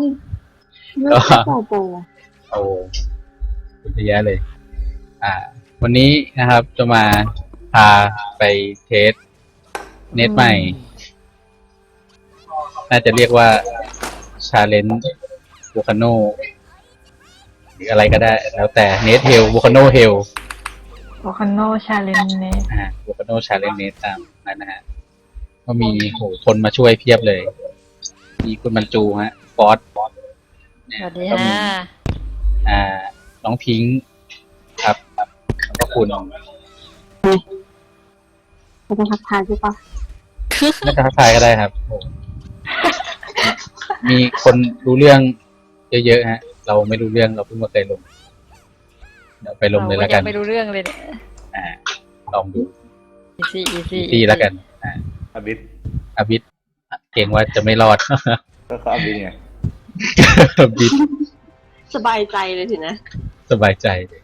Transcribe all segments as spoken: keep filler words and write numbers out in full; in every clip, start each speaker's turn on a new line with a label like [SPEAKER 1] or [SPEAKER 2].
[SPEAKER 1] เลือกโปโป
[SPEAKER 2] โอ้คุณจะแย่เลย อ่า วันนี้นะครับจะมาพาไปเทสเน็ตใหม่ น่าจะเรียกว่าชาเลนจ์โวคาโนหรืออะไรก็ได้ แล้วแต่เนทเฮลโวคาโนเฮล
[SPEAKER 3] โวคาโนชาเลนเนส
[SPEAKER 2] อ่าโวคาโนชาเลนจ์เนตตามนั้นนะฮะก็มีโหคนมาช่วยเพียบเลย มีคุณบรรจูฮะฟอส
[SPEAKER 3] สวัสดีฮะ
[SPEAKER 2] อ่า น้องพิงค์ครับแล้วก็คุณ
[SPEAKER 1] เราจะทักทายใช่ปะ
[SPEAKER 2] ไม่ทักทายก็ได้ครับ มีคนรู้เรื่องเยอะๆฮะ เราไม่รู้เรื่องเราเพิ่งมาเคยลง เดี๋ยวไปลงเลยแล้วกัน
[SPEAKER 3] ไม่รู้เรื่องเลยเนี่ย
[SPEAKER 2] อ่าลองดู
[SPEAKER 3] อีซี่อีซี่
[SPEAKER 2] อีแล้วกันอ่า
[SPEAKER 4] อบิด
[SPEAKER 2] อบิดเก่งว่าจะไม่รอด
[SPEAKER 4] ก็เขาอบิดไง
[SPEAKER 2] อบิด
[SPEAKER 1] สบายใจเลยสินะ
[SPEAKER 2] สบายใจเลย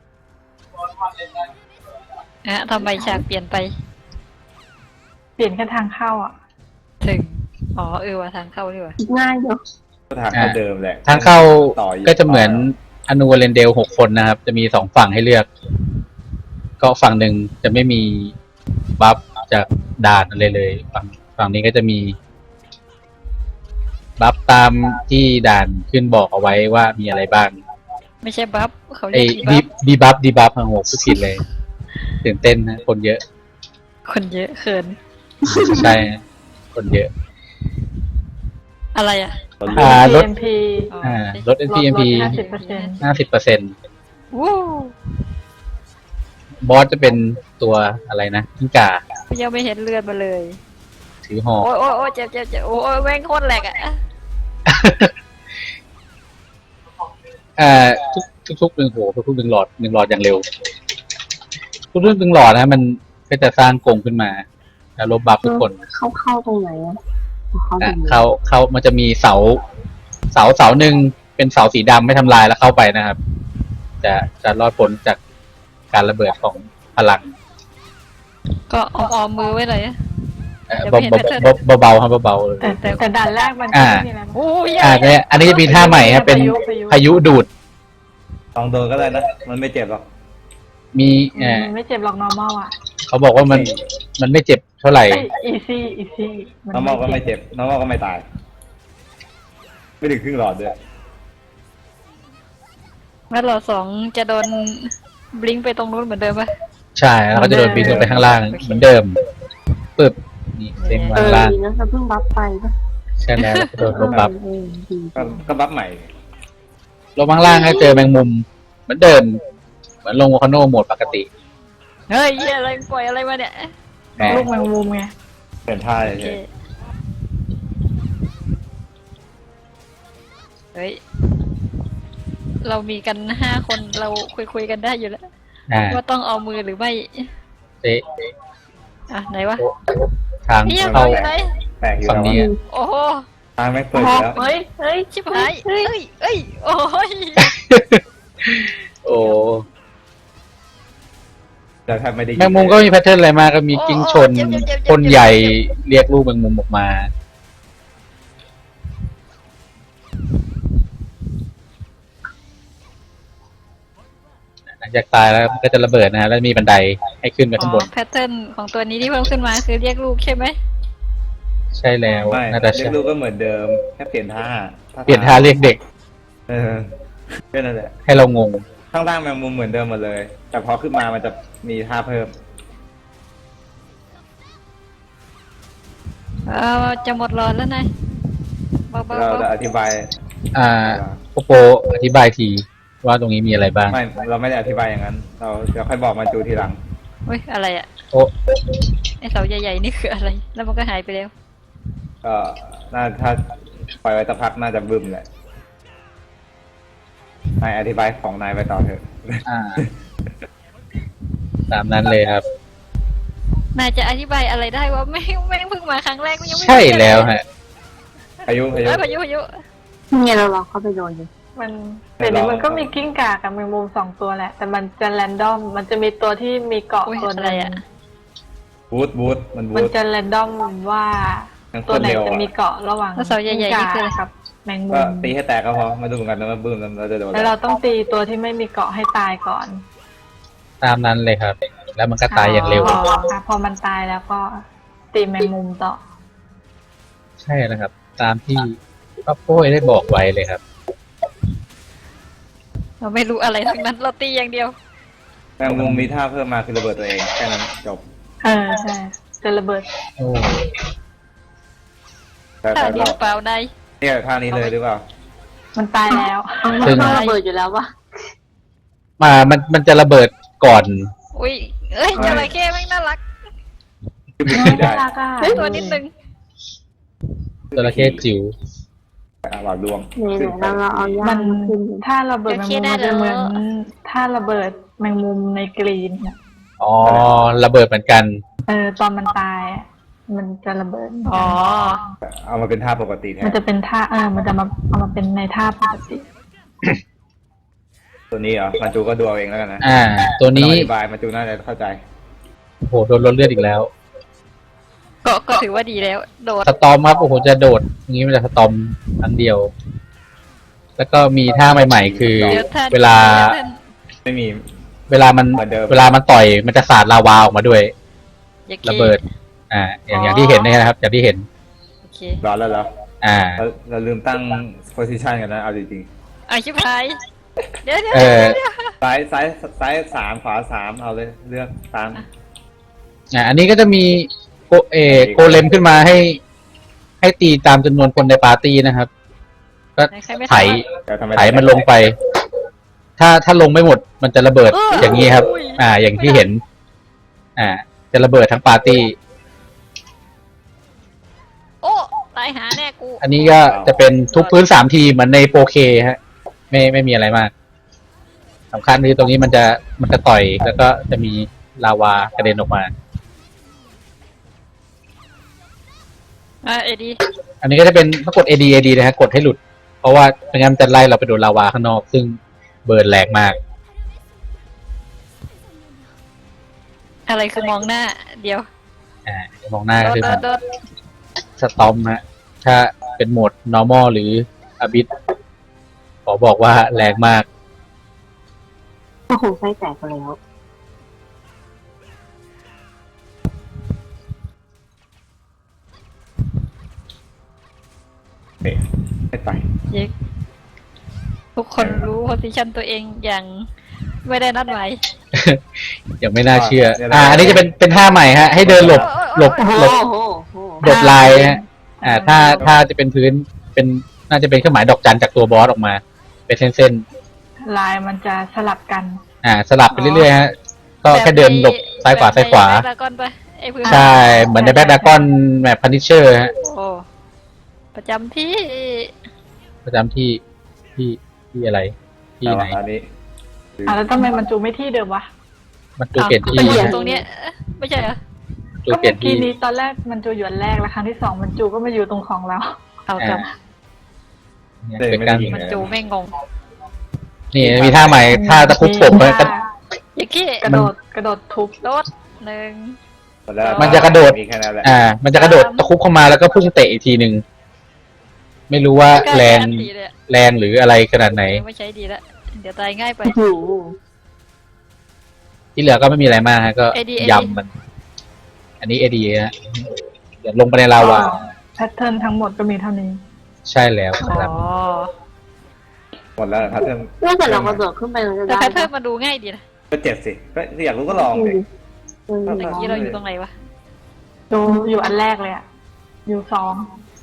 [SPEAKER 3] อ่ะทำไมฉากเปลี่ยนไป
[SPEAKER 5] เปลี่ยนแค่ทางเข้าอ่ะ
[SPEAKER 3] ถึงอ๋อเออว่าทางเข้าดีกว่า
[SPEAKER 1] ง่ายเนาะ
[SPEAKER 4] ก็ทางเข้าเดิมแหละ
[SPEAKER 2] ทางเข้าก็จะเหมือนอนูเรนเดลหกคนนะครับจะมีสองฝั่งให้เลือกก็ฝั่งหนึ่งจะไม่มีบัฟจากด่านอะไรเลยฝั่งฝั่งนี้ก็จะมีบัฟตามที่ด่านขึ้นบอกเอาไว้ว่ามีอะไรบ้าง
[SPEAKER 3] ไม่ใช่บัฟเขาเรียก
[SPEAKER 2] ดีบัฟดีบัฟทั้งหกผู้ผิดเลยตื่นเต้นนะคนเยอะ
[SPEAKER 3] คนเยอะเขิน
[SPEAKER 2] ใช่คนเยอะ
[SPEAKER 3] อะไรอ่ะ
[SPEAKER 2] อ่ารถ
[SPEAKER 5] เอ็ม พี
[SPEAKER 2] อ่ารถ เอ็น พี เอ็ม พี
[SPEAKER 5] ห้าสิบเปอร์เซ็นต์
[SPEAKER 2] ห้าสิบเปอร์เซ็นต์
[SPEAKER 3] วู้
[SPEAKER 2] บอสจะเป็นตัวอะไรนะกิ้งก่า
[SPEAKER 3] ยังไม่เห็นเลือดมาเลย
[SPEAKER 2] ถือหอก
[SPEAKER 3] โอ้ยโอ้ยโอ้ยเจ็บเจ็บเจ็บโอ้ยแม่งโคตรแหลกอ่ะ
[SPEAKER 2] อ่าทุกทุกทุกหนึ่งโหทุกหนึ่งหลอดหนึ่งหลอดอย่างเร็วทุกทุกหนึ่งหลอดนะมันก็จะสร้างกรงขึ้นมาแล้วลบบัฟทุกคน
[SPEAKER 1] เข้าเข้าตรงไหนอ่ะ
[SPEAKER 2] เข้าเข้ามันจะมีเสาเสาเสาหนึ่งเป็นเสาสีดำไม่ทำลายแล้วเข้าไปนะครับจะจะรอดพ้นจากการระเบิดของพลัง
[SPEAKER 3] ก็ออมออมมือไว้เลย
[SPEAKER 2] เบาเบาเบาครับเบา
[SPEAKER 5] แต่แต่ด่านแรกมัน
[SPEAKER 2] อ่าอ่าเนี่ยอันนี้จะมีท่าใหม่ครับเป็นพายุดูด
[SPEAKER 4] ลองโดนก็ได้นะมันไม่เจ็บหรอก
[SPEAKER 2] มีอ่า
[SPEAKER 5] ไม่เจ็บหรอก normal อ่ะ
[SPEAKER 2] เขาบอกว่ามันมันไม่เจ็บเท่าไหร่
[SPEAKER 5] easy easy
[SPEAKER 4] normal ก็ไม่เจ็บ normal ก็ไม่ตายไม่ถึงครึ่งหลอดด้วย
[SPEAKER 3] แล้วหลอดสองจะโดนบลิงไปตรงนู้นเหมือนเดิมปะ
[SPEAKER 2] ใช่แล้วก็จะโดนบินลงไปข้างล่างเหมือนเดิมปึ๊บนี่เด้งมาข้างล่าง
[SPEAKER 1] เออนะเพิ่งบัฟไปปะ
[SPEAKER 2] ใช่แล้วโดนลบบัฟ
[SPEAKER 4] ก็บัฟใหม่
[SPEAKER 2] ลงข้างล่างให้เจอแมงมุมเหมือนเดิมเหมือนลงวอลคาโนโหมดปกติ
[SPEAKER 3] เฮ้ยอะไรปล่อยอะไรมาเนี่ย
[SPEAKER 5] ลูกแมงมุมไง
[SPEAKER 4] เปลี่ยนท่าเลย
[SPEAKER 3] เฮ้ยเรามีกันห้าคนเราคุยคุยกันได้อยู่แล้วว่าต้องเอามือหรือไม่
[SPEAKER 2] เอ๊ะ
[SPEAKER 3] อ่ะไหนวะ
[SPEAKER 2] ทางเข้า
[SPEAKER 4] ฝั่งนี้
[SPEAKER 3] โอ้โห
[SPEAKER 4] ทางไม่เปิดแล้ว
[SPEAKER 3] เฮ้ยเฮ้ยชิบหายเฮ้ยเฮ้ยโอ้ย
[SPEAKER 2] โอ้
[SPEAKER 4] แต่แทบไม่ได้
[SPEAKER 2] แมงมุมก็มีแพทเทิร์นอะไรมากก็มีกิ้งชนคนใหญ่เรียกลูกแมงมุมออกมาหลังจากตายแล้วก็จะระเบิดนะฮะแล้วมีบันไดให้ขึ้นไปข้างบน
[SPEAKER 3] แพทเทิร์นของตัวนี้ที่เพิ่มขึ้นมาคือเรียกลูกใช่ไหม
[SPEAKER 2] ใช่แล้ว
[SPEAKER 4] น่าจะเรียกลูกก็เหมือนเดิมแค่เปลี่ยนท่า
[SPEAKER 2] เปลี่ยนท่าเรียกเด็ก
[SPEAKER 4] เออแค่นั้นแหละ
[SPEAKER 2] ให้เรางง
[SPEAKER 4] ข้างล่างแมงมุมเหมือนเดิมหมดเลยแต่พอขึ้นมามันจะมีท่าเพิ่ม
[SPEAKER 3] เออจะหมดหลอดแล้วนาย
[SPEAKER 4] เราจะอธิบาย
[SPEAKER 2] อ่าโปโปอธิบายทีว่าตรงนี้มีอะไรบ้าง
[SPEAKER 4] ไม่เราไม่ได้อธิบายอย่างนั้นเราเดี๋ยวค่อยบอกมาจูทีหลัง
[SPEAKER 3] เฮ้ยอะไรอ่ะ
[SPEAKER 2] โอ้
[SPEAKER 3] ไอเสาใหญ่ๆนี่คืออะไรแล้วมันก็หายไปแล้ว
[SPEAKER 4] ก็น่าถ้าปล่อยไว้สักพักน่าจะบึ้มแหละนายอธิบายของนายไปต่อเถอะ
[SPEAKER 2] อ่าตามนั้นเลยครับ
[SPEAKER 3] นายจะอธิบายอะไรได้ว่าไม่ไม่เพิ่งมาครั้งแรกก็ยังไม่
[SPEAKER 2] ใช่แล้วฮะ
[SPEAKER 4] พายุพายุ
[SPEAKER 3] พายุพายุ
[SPEAKER 1] เนี่ยเราลองเข้าไปโดนดู
[SPEAKER 5] มันแต่นี้มันก็มีกิ้งก่ากับแมงมุมสองตัวแหละแต่มันจะแรนดอมมันจะมีตัวที่มีเกาะตัวอะไรอ่ะ
[SPEAKER 4] บูทบูทมันบูท
[SPEAKER 5] มันจะแรนดอมว่าตัวไหนจะมีเกาะระหว่าง
[SPEAKER 3] เสาใหญ่ๆนี่คือ
[SPEAKER 5] ครับแมงมุ
[SPEAKER 4] ก็
[SPEAKER 5] ม
[SPEAKER 4] ตีให้แตกก็พอมาดูเหมือนกันนะว่าบึ้มแล้วเราจะโดน
[SPEAKER 5] แล้วเราต้องตีตัวที่ไม่มีเกาะให้ตายก่อน
[SPEAKER 2] ตามนั้นเลยครับ แล้วมันก็ตายอย่างเร็ว
[SPEAKER 5] พอค่ะพอมันตายแล้วก็ตีแมงมุมต่อ
[SPEAKER 2] ใช่แล้วครับ ตามที่ป้าโป้ยได้บอกไว้เลยครับ
[SPEAKER 3] เราไม่รู้อะไรทั้งนั้น เราตีอย่างเดียว
[SPEAKER 4] แมงมุมมีท่าเพิ่มมาคือระเบิดตัวเองแค่นั้นจบ
[SPEAKER 5] เออใช่จะระเบิด
[SPEAKER 2] โอ้
[SPEAKER 4] แต่
[SPEAKER 3] ถ้า
[SPEAKER 4] แต่
[SPEAKER 3] เดียวเปล่าได้
[SPEAKER 4] เนี่ยท่านี้เลยหรือเปล่า
[SPEAKER 5] มันตายแล้ว
[SPEAKER 1] มันก็ระเบิดอยู่แล้ววะ
[SPEAKER 2] มามันมันจะระเบิดก่อน
[SPEAKER 3] อุ้ยเอ้ยจระเข้แม่งน่ารัก
[SPEAKER 4] คือมี
[SPEAKER 5] น่
[SPEAKER 4] ขี่ได้
[SPEAKER 5] ารักอ่ะ
[SPEAKER 3] ตัวนิดนึง
[SPEAKER 2] จระเข้จิ๋ว
[SPEAKER 4] อ่ะหลอดดวง
[SPEAKER 1] นี่เดี๋ยวเราเราเอาย่า
[SPEAKER 5] มัน
[SPEAKER 1] งมาขึ้นดิ
[SPEAKER 5] ถ้าระเบิดแมงมุมมันจะเหมือนถ้าระเบิดแมงมุมในกรีนน่ะ
[SPEAKER 2] อ๋อ ระเบิดเหมือนกัน
[SPEAKER 5] เออตอนมันตายอะมันจะระเบิด
[SPEAKER 3] อ๋อ
[SPEAKER 4] เอามาเป็นท่าปกติแท
[SPEAKER 5] มัน
[SPEAKER 4] น
[SPEAKER 5] จะเป็นท่าเออมันจะมาเอามาเป็นในท่าปกติ
[SPEAKER 4] ตัวนี้เหรอมาจูก็ดูเอาเองแล้วกันนะ
[SPEAKER 2] อ่า ตัวนี้
[SPEAKER 4] ไม่ต้องอธิบายมาจูน่าจะเข้าใจ
[SPEAKER 2] โอ้โหโดนลดเลือดอีกแล้ว
[SPEAKER 3] ก็ก็ถือว่าดีแล้ว โดด
[SPEAKER 2] สตอมครับโอ้โหจะโดดอย่างนี้มันจะสตอมครั้งเดียว แล้วก็มีท่าใหม่ๆ คือ
[SPEAKER 3] เดี๋ยวท่าน
[SPEAKER 2] เวลา
[SPEAKER 3] ดี๋ยวท่าน
[SPEAKER 4] ไม่มี
[SPEAKER 2] เวลามัน
[SPEAKER 4] เหมือนเดิม
[SPEAKER 2] เวลามันต่อยมันจะสาดลาวาออกมาด้วย
[SPEAKER 3] อย่าเค
[SPEAKER 2] ระเบิด อ่า อย่างอย่างที่เห็นเนยนะครับ อย่างที่เห็น
[SPEAKER 3] โอเค
[SPEAKER 4] ร้อนแล้วเหรอ
[SPEAKER 2] อ่า
[SPEAKER 4] เราเราลืมตั้ง position กันนะเอาจริง
[SPEAKER 3] เอาชิบหายเดี๋ยวเดี๋ยว
[SPEAKER 2] เออ
[SPEAKER 3] เดี๋ยว
[SPEAKER 4] ๆซ้ายซ้ายซ้ายสามขวาสามเอาเลยเลือกตาม
[SPEAKER 2] อ่า อันนี้ก็จะมีโกเออโกเลมขึ้นมาให้ ให้ตีตามจำนวนคนในปาร์ตี้นะครับ ก็
[SPEAKER 3] ใครไม่
[SPEAKER 2] ไถ
[SPEAKER 3] ทำอะ
[SPEAKER 4] แต่ทำไม
[SPEAKER 2] ไถมันลงไป ถ้าถ้าลงไม่หมดมันจะระเบิด
[SPEAKER 3] เออ
[SPEAKER 2] อ
[SPEAKER 3] อย่าง
[SPEAKER 2] นี้ครับ
[SPEAKER 3] อุ้ย
[SPEAKER 2] อ่า อย่างที่เห็น อ่า จะระเบิดทั้งปาร์ตี้
[SPEAKER 3] โอ้ตายหาแน่กู
[SPEAKER 2] อันนี้ก็จะเป็นทุกพื้นสามทีเหมือนในโปรเคฮะ ไม่ไม่มีอะไรมากสำคัญคือตรงนี้มันจะมันจะต่อย แล้วก็จะมีลาวากระเด็นออกมา
[SPEAKER 3] อ่ะเอดี
[SPEAKER 2] อันนี้ก็จะเป็นต้องกด เอ ดี เอ ดี นะฮะกดให้หลุด เพราะว่าไม่งั้นมันจะไล่เราไปโดนลาวาข้างนอก ซึ่งเบิร์นแรงมาก
[SPEAKER 3] อะไรคือมองหน้า เดี๋ยว
[SPEAKER 2] อ่ามองหน้า
[SPEAKER 3] โด
[SPEAKER 2] ก็
[SPEAKER 3] ด
[SPEAKER 2] คือ
[SPEAKER 3] โด
[SPEAKER 2] มั
[SPEAKER 3] ด
[SPEAKER 2] น
[SPEAKER 3] โดด
[SPEAKER 2] สตอมฮะ ถ้าเป็นโหมด normal หรือ abyss ขอบอกว่าแรงมาก
[SPEAKER 1] ก็คงไส้แตกไปแล้ว
[SPEAKER 4] เอ๊ะไม่ไป
[SPEAKER 3] เย็กทุกคนรู้โพสิชันตัวเองอย่างไม่ได้นัดหมาย
[SPEAKER 2] ยังไม่น่าเชื่อ อ่า อันนี้จะเป็นเป็นท่าใหม่ฮะ ให้เดินหลบหลบ
[SPEAKER 1] โอ้โห
[SPEAKER 2] หลบ
[SPEAKER 1] โอ้โหโอ้โห
[SPEAKER 2] หลบลายฮะ อ่า ถ้าถ้าจะเป็นพื้น เป็นน่าจะเป็นเครื่องหมายดอกจันจากตัวบอสออกมา เป็นเส้น
[SPEAKER 5] ลายมันจะสลับกัน
[SPEAKER 2] ๆ อ่า สลับไปเรื่อยๆฮะ ก็แค่เดินหลบซ้ายขวาซ้ายขวา
[SPEAKER 3] แบบใน Dragon ปะไอ้พื้น
[SPEAKER 2] ใช่ เหมือนในแบ็คดากอนแมปพันิเชอร์ฮะ
[SPEAKER 3] โอ้ประจำที่
[SPEAKER 2] ประจำที่ที่ที่อะไร ที่
[SPEAKER 4] แต่
[SPEAKER 2] ไหน
[SPEAKER 4] ว่าอันนี้
[SPEAKER 5] อ่ะแล้วทำไมมันจูไม่ที่เดิมวะ
[SPEAKER 2] มันจูเปลี่ยนที่
[SPEAKER 3] อ้าวก็อยู่
[SPEAKER 2] ฮะ
[SPEAKER 3] ตรงเนี้ยเอ๊ะไม่ใช่เหรอ
[SPEAKER 2] จู
[SPEAKER 5] ก็
[SPEAKER 2] เปลี่
[SPEAKER 5] เมื่
[SPEAKER 2] ยน
[SPEAKER 5] อ
[SPEAKER 2] ที่
[SPEAKER 5] กี้นี้ตอนแรกมันจูอยู่อันแรกแล้วครั้งที่สองมันจูก็มาอยู่ตรงของเรา
[SPEAKER 3] เอากลับ
[SPEAKER 2] เนี่ย
[SPEAKER 4] เดิน
[SPEAKER 2] เป็น
[SPEAKER 4] ไม่
[SPEAKER 2] การ
[SPEAKER 4] ได้ยิง
[SPEAKER 3] มัน
[SPEAKER 4] เลย
[SPEAKER 3] จูไม่งง
[SPEAKER 2] นี่มีท่าใหม่ ท่าตะคุบผม
[SPEAKER 5] มี
[SPEAKER 2] ฮะ
[SPEAKER 5] ท่า
[SPEAKER 3] อย่าขี้
[SPEAKER 5] กระโดดกระโดดทุบ
[SPEAKER 3] โดดหนึ่ง
[SPEAKER 4] แล้ว
[SPEAKER 2] มันจะกระโดด
[SPEAKER 4] มีแค่นั้นแหละ
[SPEAKER 2] อ่า มันจะกระโดดตะคุบเข้ามาแล้วก็พุ่งเตะอีกทีหนึ่ง ไม่รู้ว่าแรง
[SPEAKER 3] อันตีเลยอะ
[SPEAKER 2] แรงหรืออะไรขนาดไหน
[SPEAKER 3] ไม่ใช้ดีละเดี๋ยวตายง่ายไป
[SPEAKER 1] โอ้โห
[SPEAKER 2] ที่เหลือก็ไม่มีอะไรมากฮะ ก็
[SPEAKER 3] เอ ดี เอดี
[SPEAKER 2] ยำมัน อันนี้เอดีฮะเดี๋ยวลงไปในลาวา
[SPEAKER 5] แพทเทิร์นทั้งหมดก็มีเท่านี้
[SPEAKER 2] ใช่แล้ว
[SPEAKER 3] อ๋
[SPEAKER 2] ครับ
[SPEAKER 3] อ
[SPEAKER 4] หมดแล้วเหรอครับเพิ่ม
[SPEAKER 1] ถ้าเกิดเรากระโดดขึ้นไปมันจะ
[SPEAKER 3] แต่
[SPEAKER 1] ได้
[SPEAKER 3] แพทเทิร์น
[SPEAKER 1] ปะ
[SPEAKER 3] มาดูง่ายดีนะ
[SPEAKER 4] ก็เจ็บสิก็อยากรู้ก็ลองดิ
[SPEAKER 1] เออ
[SPEAKER 3] เมื่อกี้เราอยู่ตรงไหนวะ
[SPEAKER 5] ดูอยู่อันแรกเลยอะอยู่สอง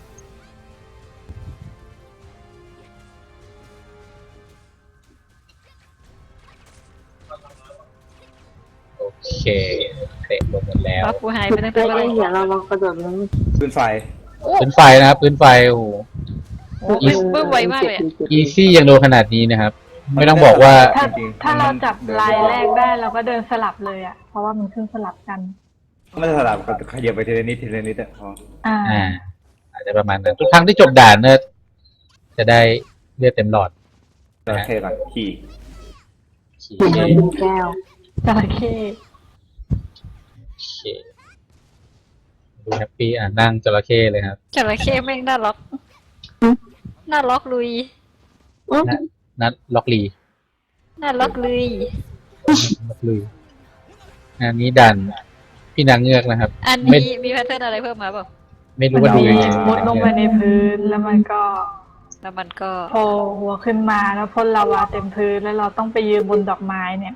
[SPEAKER 2] โอเคเตะลงหมดแล้ว
[SPEAKER 3] ว่ากูหายไปตั้งแต่
[SPEAKER 1] เอ้
[SPEAKER 3] เมื่อไหร่
[SPEAKER 1] ยเดี๋ยวเราลองกระโดดลง
[SPEAKER 4] ขึ้นไฟ
[SPEAKER 3] โอ้
[SPEAKER 2] พื้นไฟนะครับพื้นไฟโอ้โห
[SPEAKER 3] โหบึ้มบึ้มไวมากเลยอะ
[SPEAKER 2] อีซี่ยังโดนขนาดนี้นะครับ ไม่ต้องบอกว่า
[SPEAKER 5] ถ้า
[SPEAKER 4] จริงๆ
[SPEAKER 5] ถ้าเราจับ
[SPEAKER 4] มัน
[SPEAKER 5] ลายแรกได้เราก็เดินสลับเลยอะเพราะว่ามันขึ้นสลับกัน
[SPEAKER 4] ไม่ได้สลับกับขยับไปทีละนิดทีละนิดอะพอ
[SPEAKER 5] อ่า
[SPEAKER 2] อ่า อาจจะประมาณนั้นทุกครั้งที่จบด่านเนี่ยจะได้เลือดเต็มหลอด
[SPEAKER 4] จระเข้ก่อนขี่
[SPEAKER 2] ขี่
[SPEAKER 1] เหมือนเราเป็นแก้ว
[SPEAKER 5] จระเข้
[SPEAKER 2] โอเคดูแฮปปี้อ่านั่งจระเข้เลยครับ
[SPEAKER 3] จระเข้แม่งน่ารักหน้าล็อกลุย
[SPEAKER 1] อุ๊ย
[SPEAKER 2] นัดล็อกลี
[SPEAKER 3] หน้าล็อกลุย
[SPEAKER 2] ล็อกลีอันนี้ดันพี่นางเงือกนะครับ
[SPEAKER 3] อัน
[SPEAKER 2] ไม่
[SPEAKER 3] นี้มีแพทเทิร์นอะไรเพิ่มมาเปล่า
[SPEAKER 2] ไม่รู้
[SPEAKER 5] มัน
[SPEAKER 2] ว่าดู
[SPEAKER 5] มี
[SPEAKER 2] ยังไง
[SPEAKER 5] มุดลงไปในพื้นแล้วมันก็
[SPEAKER 3] แล้วมันก็
[SPEAKER 5] โผล่หัวขึ้นมาแล้วพ่นลาวาเต็มพื้นแล้วเราต้องไปยืนบนดอกไม้เนี่ย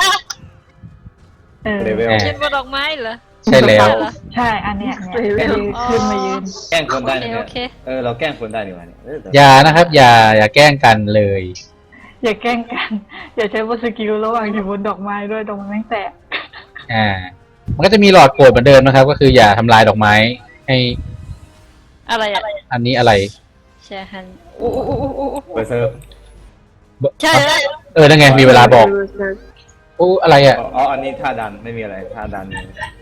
[SPEAKER 5] เออ
[SPEAKER 4] เลเวล
[SPEAKER 3] ยืนบนดอกไม้เหรอ
[SPEAKER 2] ใช่แล้ว
[SPEAKER 3] เหรอ
[SPEAKER 5] ใช่อันเนี้ยเนี่ยก็ยืนขึ้นมายืน
[SPEAKER 4] แกล้งคนได้
[SPEAKER 3] โอเค
[SPEAKER 4] นะ
[SPEAKER 3] โอ
[SPEAKER 4] เนี่ย
[SPEAKER 3] เค
[SPEAKER 4] เออเราแกล้งคนได้ดีกว่าเนี่ยเออแต่
[SPEAKER 2] อย่านะครับ อย่าอย่าแกล้งกันเลย
[SPEAKER 5] อย่าแกล้งกัน อย่าใช้บนสกิลระหว่างอยู่บนดอกไม้ด้วยดอกไม้แม่งแตก
[SPEAKER 2] อ่า มันก็จะมีหลอดโกรธเหมือนเดิมนะครับ ก็คืออย่าทำลายดอกไม้ให้
[SPEAKER 3] อะไรอ่ะ
[SPEAKER 2] อันนี้อะไร
[SPEAKER 3] แชร์ฮันโอ้โอ้โอ้โอ้โอ้
[SPEAKER 4] เบอร์เซิร์ฟ
[SPEAKER 3] ใช่แล้ว
[SPEAKER 2] เออนั่นไงมีเวลาบอกโอ้อะไรอ่ะ
[SPEAKER 4] อ๋ออันนี้ท่าดันไม่มีอะไรท่าดัน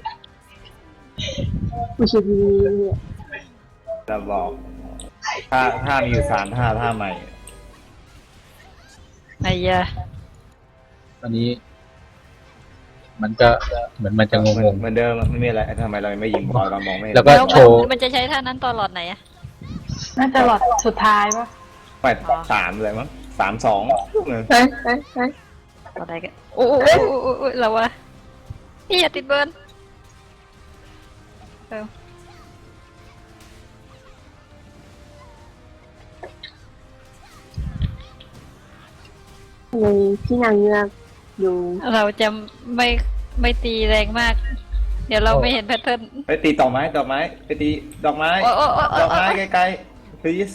[SPEAKER 1] ไม่ใช่ดีเนี่ย
[SPEAKER 4] เราบอกท่าท่ามีอยู่สามท่าท่าใหม่
[SPEAKER 3] ไอ้ยา
[SPEAKER 2] ตอนนี้ มันก็เหมือนมันจะง
[SPEAKER 4] เหมือน
[SPEAKER 2] ง
[SPEAKER 4] เหมือนเดิมไม่มีอะไรทำไมเราไม่ยิงบอลเรามองไม่เห็น
[SPEAKER 2] แล้วก็
[SPEAKER 3] แล้ว
[SPEAKER 2] โชว์
[SPEAKER 3] มันมันจะใช้ท่านั้นตอนหลอดไหนอะ
[SPEAKER 5] น่าจะหลอดสุดท้ายปะ
[SPEAKER 4] ไม่สามเลยมั้งสามสอง
[SPEAKER 1] เฮ้ยเฮ้ยเฮ้ย
[SPEAKER 3] ตอนไหนกันโอ้โอ้โอ้โอ้โอ้โอ้เราวะนี่อย่าติดเบิร์นเออ
[SPEAKER 1] เลยพี่นางเงือกดู
[SPEAKER 3] เราจะไม่ไม่ตีแรงมาก เดี๋ยวเราไม่เห็นแพทเทิร์น
[SPEAKER 4] ไปตีดอกไม้ดอกไม้ไปตีดอกไม้
[SPEAKER 3] โอ้โอ้โอ้โอ้
[SPEAKER 4] ดอกไม้ไกลๆ please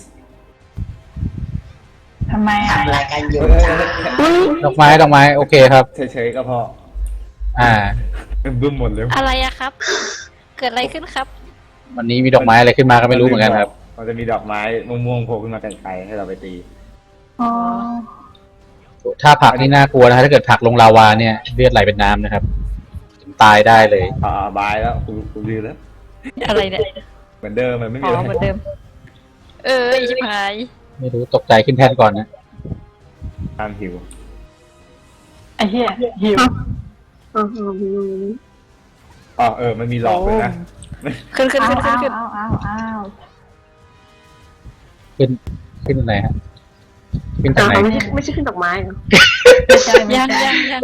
[SPEAKER 5] ทำไมอ่ะ
[SPEAKER 2] ดอกไม้ดอกไม้โอเคครับ
[SPEAKER 4] เฉยๆก็พอ
[SPEAKER 2] อ่า
[SPEAKER 4] บึ้มหมดเลย
[SPEAKER 3] อะไรอะครับ เกิดอะไรขึ้นครับ
[SPEAKER 2] วันนี้มีดอกไม้อะไรขึ้นมาก็ไม่รู้เหมือนกันครับ
[SPEAKER 4] มันจะมีดอกไม้ม่วงๆโผล่ขึ้นมาไกลๆให้เราไปตี
[SPEAKER 5] อ๋อ
[SPEAKER 2] ถ้าผลักนี่น่ากลัวนะถ้าเกิดผลักลงลาวาเนี่ยเลือดไหลเป็นน้ำนะครับถึงตายได้เลย
[SPEAKER 4] อ่าบายแล้วกูกูลืมแล้ว
[SPEAKER 3] อะไรเนี่ย
[SPEAKER 4] เหมือนเดิมมันไม่
[SPEAKER 3] อ๋
[SPEAKER 4] มี
[SPEAKER 3] อ
[SPEAKER 4] อะไร
[SPEAKER 3] เหมือนเดิม เอออีชิบหาย
[SPEAKER 2] ไม่รู้ตกใจขึ้นแท่นก่อนนะ
[SPEAKER 4] ตามหิว
[SPEAKER 5] ไอ้เหี้ยหิว
[SPEAKER 1] อ๋ออ๋อพี่นางเงือก
[SPEAKER 4] อ๋อเออมันมีหลอกเลยนะ
[SPEAKER 3] ขึ้นขึ้น
[SPEAKER 5] อ้า
[SPEAKER 3] ขึ้
[SPEAKER 5] วน
[SPEAKER 3] ขึ้น
[SPEAKER 5] อ้าว
[SPEAKER 3] ขึ้น
[SPEAKER 5] อ้าวอ้าวอ้าว
[SPEAKER 2] ขึ้นขึ้นไหนฮะขึ้นทางไหน
[SPEAKER 1] อ๋อไม่ใช่ไม่ใช่ขึ้นดอกไม้เหรอ
[SPEAKER 5] ไม่ใช่ไม่
[SPEAKER 3] ยัง
[SPEAKER 5] ใช่
[SPEAKER 3] ยังยัง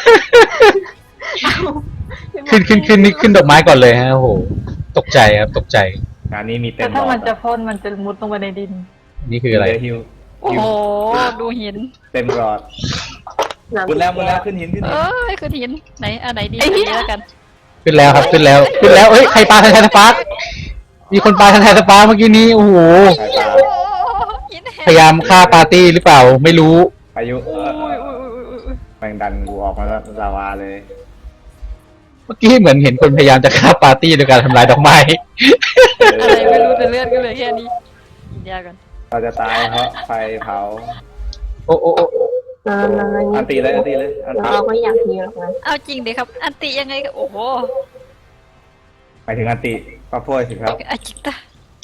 [SPEAKER 2] ขึ้นขึ้นขึ้นนี่ขึ้นดอกไม้ก่อนเลยฮะโอ้โหตกใจครับตกใจ
[SPEAKER 4] งานนี้มีเต็
[SPEAKER 5] แต่
[SPEAKER 4] มหล
[SPEAKER 5] ถ้า
[SPEAKER 4] อ
[SPEAKER 5] มัน
[SPEAKER 4] ด
[SPEAKER 5] จะพ่นมันจะมุดลงไปในดิน
[SPEAKER 2] นี่คืออะไร
[SPEAKER 4] เดี๋ยวหิว
[SPEAKER 3] โอ้โหดูหิน
[SPEAKER 4] เต็มหลอด
[SPEAKER 1] หนัง
[SPEAKER 4] หมดแล้วหมดแล้วขึ้นหินขึ้นหิ
[SPEAKER 3] เอ้
[SPEAKER 4] น
[SPEAKER 3] ยคือหินไหนอันไหนดีอันนี้แล้วกัน
[SPEAKER 2] ขึ้นแล้วครับขึ้นแล้วขึ้นแล้วเอ้ยใครปาแทนสปาร์คมีคนปาแทนสปาร์คเมื่อกี้นี้โอ้โห
[SPEAKER 4] สายตา
[SPEAKER 3] โอ้หินแหก
[SPEAKER 2] พยายามฆ่าปาร์ตี้หรือเปล่าไม่รู้
[SPEAKER 4] พายุ
[SPEAKER 3] โอ้ยโอ้ยโอ้ยโอ้ยโอ้ย
[SPEAKER 4] แมงดันกูออกมาแล้วลาวาเลย
[SPEAKER 2] เมื่อกี้เหมือนเห็นคนพยายามจะฆ่าปาร์ตี้โดยการทำลายดอกไม้
[SPEAKER 3] อะไรไม่รู้แต่เลือดก็เลยแค่นี้กินยากัน
[SPEAKER 4] เราจะตายเพราะไฟเผา
[SPEAKER 2] โอ้โอ้โอ้
[SPEAKER 1] เราเรา
[SPEAKER 4] อันตีเลยอันตีเลยอันตี
[SPEAKER 1] เราก็อยากมีหรอกนะ
[SPEAKER 3] เอาจริงดิครับ อันติยังไงก็โอ้โห
[SPEAKER 4] หมายถึงอันติก็พูดสิครับ
[SPEAKER 3] อาจิตะ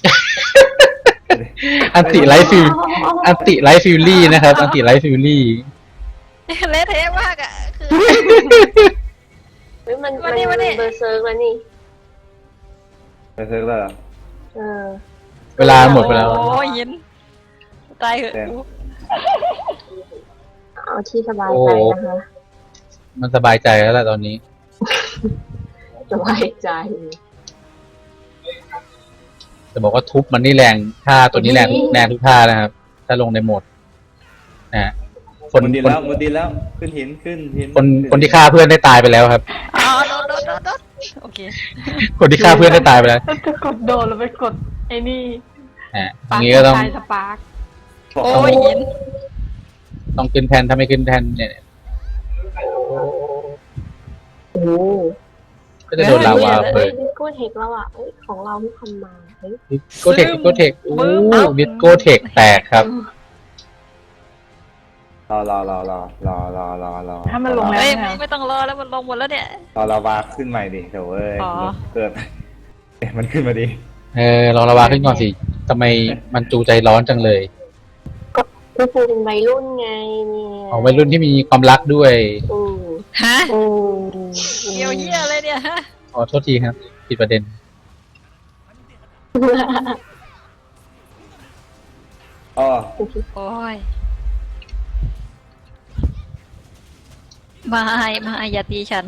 [SPEAKER 2] อันติไลฟ์ฟิลอันติไลฟ์ฟิลลี่นะครับอันติไลฟ์ฟิลลี่
[SPEAKER 3] เละเทะมากอ่ะคือ
[SPEAKER 1] เฮ้ยมัน
[SPEAKER 3] มา
[SPEAKER 1] มัน
[SPEAKER 3] นี่มานี่
[SPEAKER 1] เบอร์เซิร์กแล้วนี่
[SPEAKER 4] จะซื้อแล้วเหรอ
[SPEAKER 1] เออ
[SPEAKER 2] เวลาหมดไปแล้ว
[SPEAKER 3] โอ้ยหินตายเหอะ
[SPEAKER 4] แดง
[SPEAKER 3] กู
[SPEAKER 1] เอาที่สบายใจนะคะ
[SPEAKER 2] มันสบายใจแล้วแหละตอนนี้
[SPEAKER 1] สบายใจ
[SPEAKER 2] จะบอกว่าทุบมันนี่แรงท่าตัวนี้แรงทุกแรงทุกท่านะครับ ถ้าลงในโหมดนะฮะคน
[SPEAKER 4] มุดดิน
[SPEAKER 2] คน
[SPEAKER 4] แล้วมุดดินแล้วขึ้นหินขึ้นหิน
[SPEAKER 2] คนคนที่ฆ่าเพื่อนได้ตายไปแล้วครับ
[SPEAKER 3] อ๋อโดนโดนโดนโดนโอเค
[SPEAKER 2] คนที่ฆ่าเพื่อนได้ตายไปแล้ว
[SPEAKER 5] แล้วจะกดโดนแล้วไปกดไอ้นี่
[SPEAKER 2] อ่าอ
[SPEAKER 5] ปา
[SPEAKER 2] ย่าง
[SPEAKER 5] ร์
[SPEAKER 2] นี้ก็ต้อง
[SPEAKER 5] คสปาร์ค
[SPEAKER 3] โอ้ยหิน
[SPEAKER 2] ต้องขึ้นแทนถ้าไม่ขึ้นแทนเนี่ย
[SPEAKER 1] โอ้โห
[SPEAKER 2] ก็จะโดนลาวา
[SPEAKER 1] เฮ้
[SPEAKER 2] เปิ
[SPEAKER 1] ย
[SPEAKER 2] ด
[SPEAKER 1] ดิสโก้เทคแล้วอ่ะเฮ้ยของเราที่ทำมาเฮ้ย
[SPEAKER 2] ดิสโกเทคดิสโกเทคโอ้ดิสโกเทคแตกครับ
[SPEAKER 4] รอรอรอรอรอรอรอรอ
[SPEAKER 5] ถ้ามันลงแล้ว
[SPEAKER 3] เฮ้ย
[SPEAKER 5] เนี่ย
[SPEAKER 3] ไม่ต้องรอแล้วมันลงหมดแล้วเนี่ย
[SPEAKER 4] รอลาวาขึ้นใหม่ดิเดี๋ยวเว้ย
[SPEAKER 3] อ๋อ
[SPEAKER 4] เกิดเอ๊ะมันขึ้นมาดิ
[SPEAKER 2] เออลองลาวาขึ้นก่อนสิทำไมมันจูใจร้อนจังเลย
[SPEAKER 1] ก็คือเป็นวัยรุ่นไงเนี่ย
[SPEAKER 2] ของวัยรุ่นที่มีความรักด้วย
[SPEAKER 1] อือ
[SPEAKER 3] ฮะ
[SPEAKER 1] อือ
[SPEAKER 3] เกี่ยวเหี้ยอะไรเนี่ยฮะ
[SPEAKER 2] ขอโทษทีครับผิดประเด็น
[SPEAKER 4] อ๋ออ๋อ
[SPEAKER 3] โอ้ยมาไอมาไออย่าตีฉัน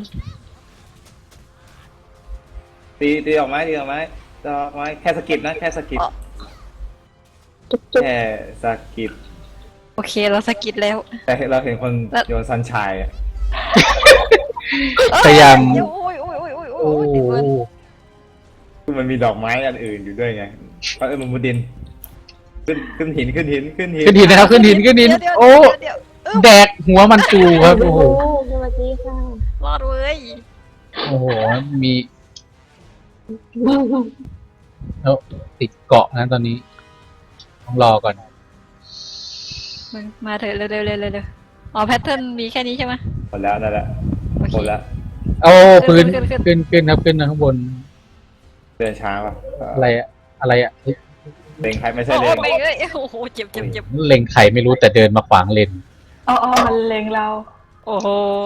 [SPEAKER 4] ตีตีออกไหมตีออกไหมตีออกไหมแค่สกิปนะแค่สกิป
[SPEAKER 3] อ๋อ
[SPEAKER 1] จุ๊บจุ๊บ
[SPEAKER 4] แค่สกิป
[SPEAKER 3] โอเคเราสกิดแล้ว
[SPEAKER 4] แต่เราเห็นคน
[SPEAKER 3] แล้ว
[SPEAKER 4] โยนซันชายอะ
[SPEAKER 2] พยายาม
[SPEAKER 3] โอ้ยโอ้ยโอ้ยโอ้ย
[SPEAKER 2] โอ้
[SPEAKER 3] โอ้ยติดเบิร์น
[SPEAKER 4] คือมันมีดอกไม้อันอื่นอยู่ด้วยไงเพราะเออมันมุดดิน ขึ้นขึ้นหินขึ้นหินขึ้นหิน
[SPEAKER 2] ขึ้นหินนะครับขึ้นหินขึ้นหิน
[SPEAKER 3] เดี๋ยว
[SPEAKER 2] โอ้
[SPEAKER 3] เดี๋ยวเดี๋ยวเออ
[SPEAKER 2] แดกหัวมันตูครับโอ้โห
[SPEAKER 1] สวัสดีค่ะ
[SPEAKER 3] รอดเว้ย
[SPEAKER 2] โอ้โหมีแล้วติดเกาะนะตอนนี้ต้องรอก่อน
[SPEAKER 3] มึงมาเถอะเร็วเร็วเร็วเร็วเร็วอ๋อแพทเทิร์นมีแค่นี้ใช่ไหม
[SPEAKER 4] หมดแล้วนั่นแหละ
[SPEAKER 3] โอเค
[SPEAKER 4] หมดแล้ว
[SPEAKER 2] โอ้พื้น
[SPEAKER 3] ขึ้นขึ้น
[SPEAKER 2] ขึ้นขึ้นครับขึ้นนะข้างบน
[SPEAKER 4] เดินช้าป่ะ
[SPEAKER 2] อะไรอะอะไรอะเฮ้ย
[SPEAKER 4] เล็งใครไม่ใช่
[SPEAKER 3] โอ้
[SPEAKER 4] เล็ง
[SPEAKER 3] ไปเอ้ยโอ้โหเจ็บเจ็บเจ็บ
[SPEAKER 2] เล็งไข่ไม่รู้แต่เดินมาขวางเลน
[SPEAKER 5] อ๋ออ๋อมันเล็งเรา
[SPEAKER 3] โอ้โห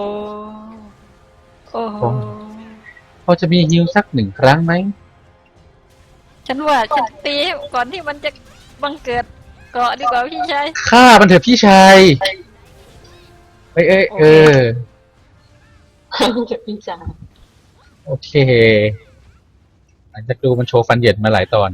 [SPEAKER 3] โอ้โห
[SPEAKER 2] พอจะมีฮิวสักหนึ่งครั้งไหม
[SPEAKER 3] ฉันว่าฉันตีก่อนที่มันจะบังเกิดเกาะดีกว่าพี่ชาย
[SPEAKER 2] ฆ่ามันเถอะพี่ชายเอ้ยเอ้ยเออ
[SPEAKER 1] จะพี่จ๋า
[SPEAKER 2] โอเคหลังจากดูมันโชว์ฟันเหย็ดมาหลายตอน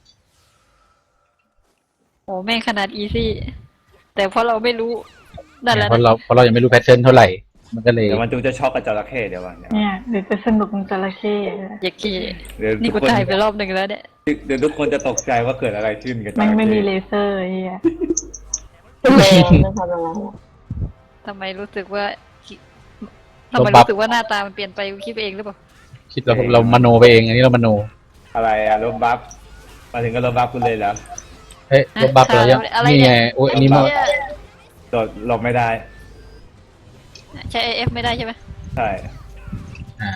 [SPEAKER 3] โอ้แม่งขนาดอีซี่แต่เพราะเราไม่รู้นั่นแหละ
[SPEAKER 2] เพราะเราเพราะเรายังไม่รู้แพทเทิร์นเท่าไหร่ มันก็เลย
[SPEAKER 4] เดี๋ยวมันจูจะช็อกกับจระเข้เดี๋ยววันเดี๋ยว
[SPEAKER 5] เนี่ยเดี๋ยวจะสนุกมันจระเข้
[SPEAKER 3] อย่าขี้
[SPEAKER 4] เดี๋ยว
[SPEAKER 3] นี่
[SPEAKER 4] ทุ
[SPEAKER 3] กู
[SPEAKER 4] กคน
[SPEAKER 3] ตายไปรอบหนึ่งแล้วเนี่ย
[SPEAKER 4] เดี๋ยวทุกคนจะตกใจว่าเกิดอะไรขึ้นกับจ
[SPEAKER 5] มัน
[SPEAKER 4] ระ
[SPEAKER 5] ไม่มี
[SPEAKER 4] เข้
[SPEAKER 5] เลเซอร์ไอ้เฮีย
[SPEAKER 1] แรงนะคะน้อง
[SPEAKER 3] ทำไมรู้สึกว่าทำไมรู้สึกว่าหน้าตามันเปลี่ยนไปกูคิดไปเองหรือเปล่า
[SPEAKER 2] คิดเราเรามโนไปเอง อันนี้เรามโน
[SPEAKER 4] อะไรอะลบบัฟมาถึงก็ลบบัฟคุณเลยแล้ว
[SPEAKER 2] เฮ้ยลบบัฟเรายัง
[SPEAKER 3] อะไร
[SPEAKER 2] นี่
[SPEAKER 3] เนี่
[SPEAKER 2] ไง
[SPEAKER 3] ย
[SPEAKER 2] โอ้ยอันนี้มา
[SPEAKER 3] ไเหี้ย
[SPEAKER 4] โดดหลบไม่ได้
[SPEAKER 3] ใช้ เอ เอฟ ไม่ได้ใช่ไหม
[SPEAKER 4] ใช่
[SPEAKER 2] อ่า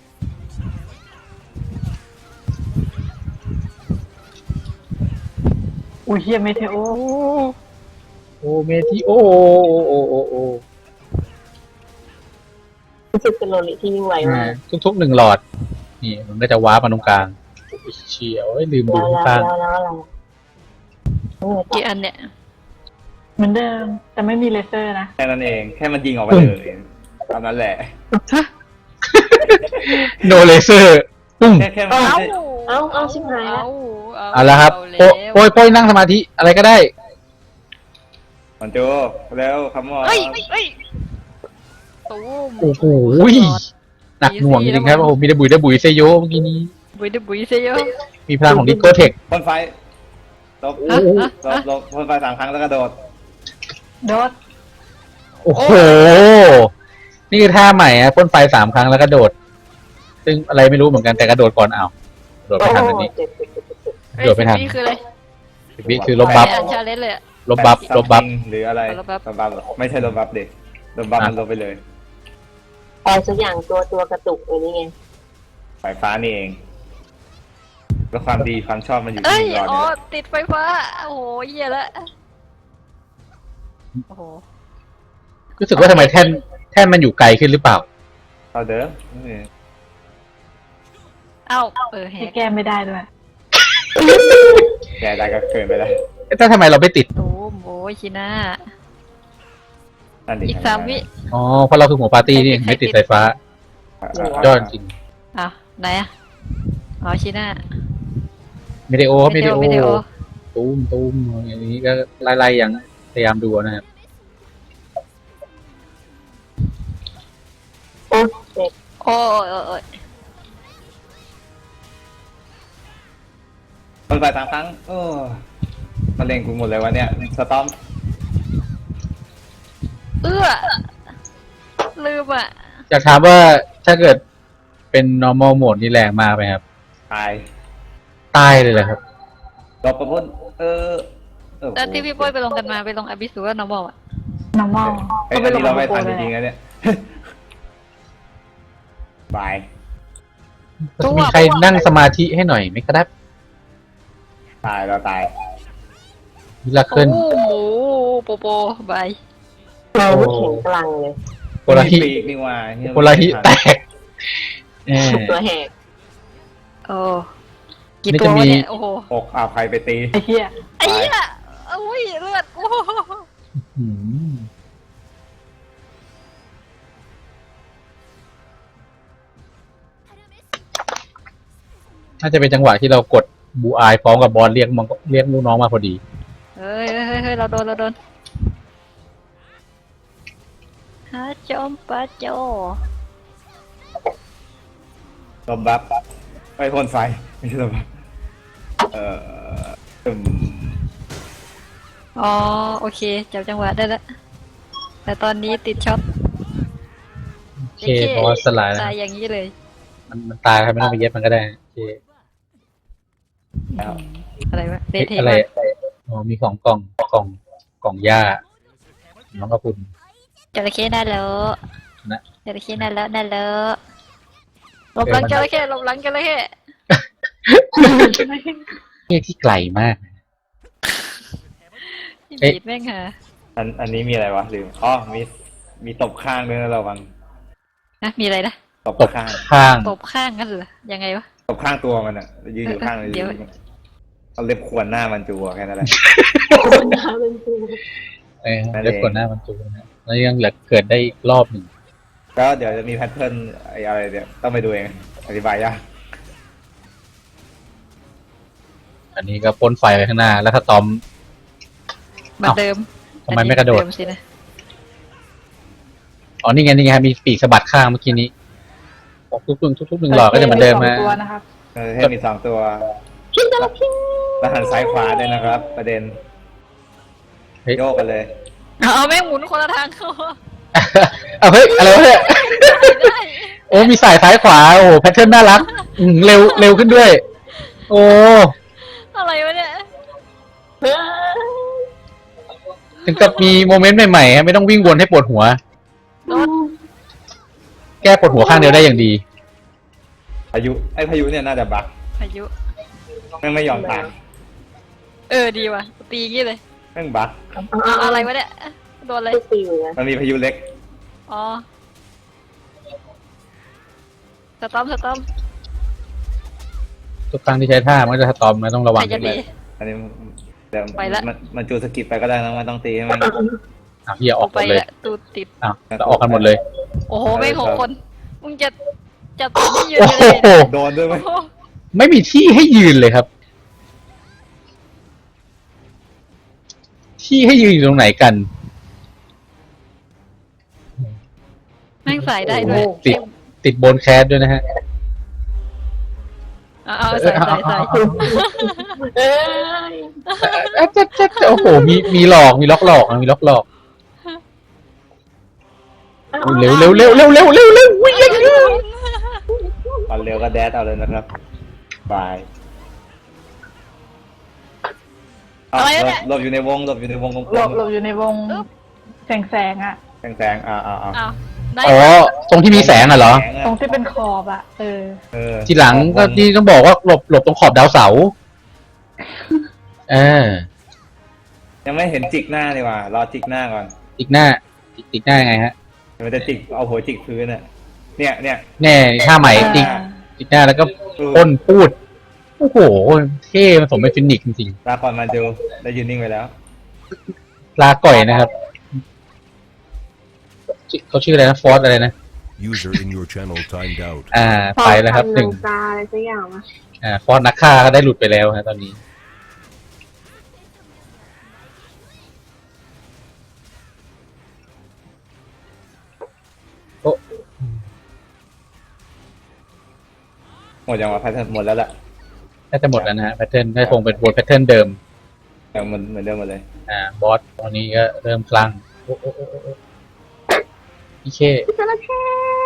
[SPEAKER 5] อุ้ยเฮียเมเทโอ
[SPEAKER 2] โอเมทิโอโอโอโอ
[SPEAKER 1] รู้สึกเป็นโลลิที่ยิ่งไว
[SPEAKER 2] อ่าม
[SPEAKER 1] าก
[SPEAKER 2] ทุกๆหนึ่งหลอด นี่มันก็จะว้าร์ปมาตรงกลางเชียวเอ้ยลืมดู
[SPEAKER 1] แล้วแล้ว
[SPEAKER 2] ข้าง
[SPEAKER 1] แล้วแล้วอะไรเออ
[SPEAKER 3] กี่อันเนี่ย
[SPEAKER 5] เหมือนเดิม แต่ไม่มีเลเซอร์นะ
[SPEAKER 4] แค่นั้นเองแค่มันยิงออกมาเลยตามนั้นแหละ
[SPEAKER 2] โนเลเซอร์ปุ้ง
[SPEAKER 4] แค่แค่มัน
[SPEAKER 3] เอา
[SPEAKER 4] ไม่ใช่
[SPEAKER 1] เอาเอาชิบหายแล้ว
[SPEAKER 3] เอา
[SPEAKER 2] เอาละครับ
[SPEAKER 3] เอา
[SPEAKER 2] โป
[SPEAKER 3] แล้ว
[SPEAKER 2] โป้ยโป้ยนั่งสมาธิอะไรก็ได้
[SPEAKER 4] มันโจแล้วคำว่า
[SPEAKER 3] เฮ้ยเฮ้ยตูม
[SPEAKER 2] โอ้โหหนักหน่วงจริงๆครับโอ้โหมีแต่บุยแต่บุยเซโยเมื่อกี้นี้
[SPEAKER 3] บุยเดบุยเซโย
[SPEAKER 2] มีพลังของดิโกเทค
[SPEAKER 4] พ่นไฟลบ
[SPEAKER 3] ฮะฮะ
[SPEAKER 4] ลบลบพ่นไฟสามครั้งแล้วก็โดด
[SPEAKER 5] โดด
[SPEAKER 2] โอ้โห นี่คือท่าใหม่อะพ่นไฟสามครั้งแล้วก็โดด ซึ่งอะไรไม่รู้เหมือนกันแต่กระโดดก่อนเอาโดด
[SPEAKER 1] โอ้
[SPEAKER 2] ไม่ทัน
[SPEAKER 1] โห
[SPEAKER 2] อันนี้
[SPEAKER 1] เจ็บเจ็บเจ็บเจ็บ
[SPEAKER 3] เฮ้ย
[SPEAKER 2] โดดไม่ทัน
[SPEAKER 3] สิบวิคืออะไร
[SPEAKER 2] สิบวิคือลบบัฟ
[SPEAKER 3] ไม่อ่านชาเลนจ์เลยอะ
[SPEAKER 2] ลบบัฟ
[SPEAKER 4] แปด
[SPEAKER 2] ลบบัฟ
[SPEAKER 4] หรืออะไร
[SPEAKER 3] ลบบัฟ
[SPEAKER 4] ลบบัฟไม่ใช่ลบบัฟเด็กลบบัฟมันลบไปเลย
[SPEAKER 1] อะไรสักอย่างตัวตัวกระตุกอะไรนี่ไง
[SPEAKER 4] ไฟฟ้านี่เอง แล้วความดีความชอบมันอยู่
[SPEAKER 3] เอ้
[SPEAKER 4] ที่
[SPEAKER 3] ย
[SPEAKER 4] หลอด
[SPEAKER 3] อ๋อ
[SPEAKER 4] เนี่ย
[SPEAKER 3] ติดไฟฟ้าโอ้โหเหี้ยละโอ้โห
[SPEAKER 2] รู้สึกว่าทำไมแท่นแท่นมันอยู่ไกลขึ้นหรือเปล่า
[SPEAKER 4] เอาเดิมนี่
[SPEAKER 3] เอ้าเออแห
[SPEAKER 5] ที่
[SPEAKER 3] ก
[SPEAKER 5] แก้ไม่ได้ด้วย
[SPEAKER 4] แกได้ก็เกินไปแล้ว
[SPEAKER 2] เอ๊ะแต่ทำไมเราไม่ติด
[SPEAKER 3] ตูมโอ้ยชิน่า
[SPEAKER 4] นั่นดิ
[SPEAKER 3] อีกสามวิ
[SPEAKER 2] อ๋อ เพราะเราคือหัวปาร์ตี้นี่ไม่ติดไฟฟ้า ยอดจริง
[SPEAKER 3] อ้าวไหนอะอ๋อชิน่า
[SPEAKER 2] ไม่ได้โอครับไม่ได้โอ
[SPEAKER 3] ไม่ได้โอ
[SPEAKER 2] ตูมตูมอย่างนี้ก็ไล่ๆอย่างพยายามดูนะครับ
[SPEAKER 1] โอ้เจ็บ
[SPEAKER 3] โอ้ยโอ้ยโอ้ย
[SPEAKER 4] พ่นไฟสามครั้งโอ้มาเล่งกูหมดเลยวะเนี่ยสตอม
[SPEAKER 3] เอื้อลืมอ่ะ
[SPEAKER 2] อยากถามว่าถ้าเกิดเป็น normal mode นี่แรงมากไหมครับ
[SPEAKER 4] ตาย
[SPEAKER 2] ตายเลยเหรอครับ
[SPEAKER 4] ลบประพ่นเออเออ
[SPEAKER 3] แล้วที่พี่โป้ยไปลงกันมาไปลงอบิสูว่า normal อ่ะ
[SPEAKER 5] normal
[SPEAKER 4] เอ้ย
[SPEAKER 5] ก็
[SPEAKER 4] อัน
[SPEAKER 5] ไปล
[SPEAKER 4] นี้
[SPEAKER 5] ง
[SPEAKER 4] เราไม่
[SPEAKER 5] โป
[SPEAKER 4] ทัน
[SPEAKER 5] เล
[SPEAKER 4] จ
[SPEAKER 5] ย
[SPEAKER 4] ริงๆนะเนี่ย บาย
[SPEAKER 3] ตัว
[SPEAKER 2] มีใครนั่งสมาธิให้หน่อยไหมครับ
[SPEAKER 4] ตายเราตาย
[SPEAKER 2] วิลา
[SPEAKER 3] โอ้
[SPEAKER 2] ขึ้น
[SPEAKER 3] โหโปโปบาย
[SPEAKER 1] เราไม่แข็งกลังเลย
[SPEAKER 2] โพลาฮิ
[SPEAKER 4] มีปีกนี่ว่าเหี้ย
[SPEAKER 2] โพลาฮิแตกเออ
[SPEAKER 1] ตัวแหก
[SPEAKER 3] โอ้กี่
[SPEAKER 2] นี่
[SPEAKER 3] ตัว
[SPEAKER 2] จะมี
[SPEAKER 3] วะเนี่ยโอ้โห
[SPEAKER 4] อกเอาใครไปตี
[SPEAKER 5] ไอ้เหี้ย
[SPEAKER 3] ไอ้เหี้ยโอ้อุ้ยเลือดโอ้
[SPEAKER 2] อืมน่าจะเป็นจังหวะที่เรากดบูอายพร้อมกับบอลเรียกมันเรียกลูกน้องมาพอดี
[SPEAKER 3] เฮ้ยเฮ้ยเฮ้ยเราโดนเราโดนฮะจอมปะโจ
[SPEAKER 4] ลมบัฟไปพ่นไฟไม่ใช่ลมบัฟเอ่ออืม
[SPEAKER 3] อ๋อโอเคจับจังหวะได้แล้วแต่ตอนนี้ติดช็อต
[SPEAKER 2] โอเคเพราะว่าสลายแล้ว
[SPEAKER 3] ตายอย่างนี้เลย
[SPEAKER 2] มันมันตายครับไม่ต้องไปเย็บมันก็ได้โอเค
[SPEAKER 4] แล้ว
[SPEAKER 3] อะไรวะเด
[SPEAKER 2] เอ๊ะ
[SPEAKER 3] ทเท
[SPEAKER 2] อะไร
[SPEAKER 3] ม
[SPEAKER 2] อ๋อมีของกล่องกล่องกล่องหญ้าน้องกระพุน
[SPEAKER 3] จระเข้ได้แล้ว
[SPEAKER 2] นะ
[SPEAKER 3] จระเข้ได้แล้วได้แล้วหลบหลังจระเข้หลบหลังจระเข้
[SPEAKER 2] เรียกที่ไกลมาก
[SPEAKER 3] ที่
[SPEAKER 2] เอ๊ะ
[SPEAKER 3] บีดแม่งค่ะ
[SPEAKER 4] อันอันนี้มีอะไรวะลืมอ๋อมีมีตบข้างด้วยนะระวัง
[SPEAKER 3] นะมีอะไรนะ
[SPEAKER 4] ตบ
[SPEAKER 2] ตบ
[SPEAKER 4] ข้าง
[SPEAKER 2] ข้าง
[SPEAKER 3] ตบข้างกันเหรอยังไงวะ
[SPEAKER 4] ตบข้างตัวมันอ่ะยืนอยู่ข้างเลย
[SPEAKER 3] เดี๋ยว
[SPEAKER 4] เอาเล็บขวนหน้ามันจูอะแค่นั้นแหละ
[SPEAKER 1] คนน้ำเป็นปู
[SPEAKER 2] เออ
[SPEAKER 4] นั่นเอง
[SPEAKER 2] เล็บกดหน้ามันจูนะแล้วยังเหลือเกิดได้อีกรอบหนึ่ง
[SPEAKER 4] ก็เดี๋ยวจะมีแพทเทิร์นไอ้อะไรเนี่ยต้องไปดูเองอธิบายยาก
[SPEAKER 2] อันนี้ก็พ่นไฟไปข้างหน้า แล้วถ้าตอม
[SPEAKER 3] เหมือนเดิม
[SPEAKER 2] ทำไมไม่กระโดด
[SPEAKER 3] อันนี้เหมือนเมสินะ
[SPEAKER 2] อ๋อนี่ไงนี่ไงมีปีกสะบัดข้างเมื่อกี้นี้ทุกๆหนึ่งทุกๆหนึ่งหลอดก็จะเหมือนเดิม
[SPEAKER 5] ส
[SPEAKER 2] นะ
[SPEAKER 5] องตัวนะครับ
[SPEAKER 4] เออให้มีสองตัว
[SPEAKER 1] พิงตะละพิง
[SPEAKER 4] แล้วหันซ้ายขวาด้วยนะครับ ประเด็น
[SPEAKER 2] เฮ้ย
[SPEAKER 4] โยกกันเลย
[SPEAKER 3] เอาแม่งหมุนคนละทางเขา
[SPEAKER 2] เอาเฮ้ยอะไรวะเนี่ย
[SPEAKER 3] ได้
[SPEAKER 2] โอ้มีสายซ้ายขวาโอ้แพทเทิร์นน่ารักอืมเร็วเร็วขึ้นด้วย โอ้
[SPEAKER 3] อะไรวะเนี่ย
[SPEAKER 1] เฮ้ย
[SPEAKER 2] ถึงกับมีโมเมนต์ใหม่ๆฮะไม่ต้องวิ่งวนให้ปวดหัว
[SPEAKER 3] รถ
[SPEAKER 2] แก้ปวดหัวข้างเดียวได้อย่างดี
[SPEAKER 4] พายุไอ้พายุเนี่ยน่าจะบัก
[SPEAKER 3] พายุ
[SPEAKER 4] แม่งไม่ยอมตาม
[SPEAKER 3] เออดีว่ะตีงี้เลย
[SPEAKER 4] แม่งบัก
[SPEAKER 3] เอาอะไรวะเนี่ยโดนอะไร
[SPEAKER 1] ไม่ตีเหมือนกัน
[SPEAKER 4] มันมีพายุเล็ก
[SPEAKER 3] อ๋อสตอมสตอม
[SPEAKER 2] ทุกครั้งที่ใช้ท่ามันก็จะสตอมนะต้องระวั
[SPEAKER 3] ใค
[SPEAKER 2] ง
[SPEAKER 3] รจะดี
[SPEAKER 4] อันนี้เดี๋ยว
[SPEAKER 3] ไปละ
[SPEAKER 4] มันมันจูสกิปไปก็ได้นะมันต้องตีให้มัน
[SPEAKER 2] อ่ะพี่อย่าออกห
[SPEAKER 3] ไป
[SPEAKER 2] มดเลย
[SPEAKER 3] ละตูดติด
[SPEAKER 2] อ่ะเราออกกันหมดเลย
[SPEAKER 3] โอ้โหแม่งหกคนมึงจะจะตีที่ยืน
[SPEAKER 2] โอ้
[SPEAKER 3] กัน
[SPEAKER 2] โห
[SPEAKER 3] เลย
[SPEAKER 4] โดนด้วยไหม
[SPEAKER 3] โอ้โห
[SPEAKER 2] ไม่มีที่ให้ยืนเลยครับ ที่ให้ยืนอยู่ตรงไหนกัน
[SPEAKER 3] แม่งใส่ได้ด้วย
[SPEAKER 2] ติดติดบนแคสด้วยนะฮะ
[SPEAKER 3] เอาเอาใส่ใส่ใส่
[SPEAKER 1] เอ้ย
[SPEAKER 2] เอ๊ะจ๊ะจ๊ะจ๊ะโอ้โหมีมีหลอกมีล็อกหลอกมีล็อกหลอกเร็วเร็วเร็วเร็วเร็วเร็วเร็ววิ่งเร็ว
[SPEAKER 4] ตอนเร็วก็แดดเอาเลยนะครับบาย
[SPEAKER 3] อะไรวะเนี่ย
[SPEAKER 4] หลบอยู่ในวงหลบอยู่ในวงกลม
[SPEAKER 5] หลบหลบอยู่ในวงแสงแสงๆอ่ะ
[SPEAKER 4] แสงแสงๆอ่าอ่าอ่า
[SPEAKER 3] เอาได้
[SPEAKER 2] อ๋อตรงที่มีแสงอ่ะเหรอ
[SPEAKER 4] แสงะ
[SPEAKER 5] ตรงที่เป็นขอบอ่ะ เออ
[SPEAKER 4] เออ
[SPEAKER 2] ทีหลังก็ที่ต้องบอกว่าหลบหลบตรงขอบดาวเสาร์เออ
[SPEAKER 4] ยังไม่เห็นจิกหน้าเลยว่ะรอจิกหน้าก่อน
[SPEAKER 2] อีกหน้าอีกอีกหน้ายังไงฮะ
[SPEAKER 4] มันจะจิกเอาหัวจิกพื้นอ่ะเนี่ยเนี่ย
[SPEAKER 2] แน่ท่าใหม่
[SPEAKER 5] อ่า
[SPEAKER 2] อีกอีกหน้าแล้วก็พ่นพูดโอ้โหเท่มันสมเป็นฟินิกซ์จริง
[SPEAKER 4] ลาก่อนมาดูได้ยืนนิ่งไปแล้ว
[SPEAKER 2] ๆลาก่อยนะครับชื่อเขาชื่ออะไรนะฟอสอะไรนะ
[SPEAKER 6] User in your channel timed out.
[SPEAKER 2] อ่าไปแล้วครับหนึ่ง
[SPEAKER 1] ตาอะไรสักอย่างวะ
[SPEAKER 2] อ่าฟอสนักฆ่าก็ได้หลุดไปแล้วฮะตอนนี้โอ้
[SPEAKER 4] หมดยังวะแพทเทิร์นหมดแล้วแหละ
[SPEAKER 2] น่าจะหมดแล้วนะฮะแพทเทิร์นน่าจะคงเป็นวนแพทเทิร์นเดิม
[SPEAKER 4] ยังเหมือนเหมือนเดิมหมดเลย
[SPEAKER 2] อ่าบอสตอนนี้ก็เริ่มคลั่งโอ้โอ้โอ้โอ้โอ้พี่เค
[SPEAKER 1] จระเข้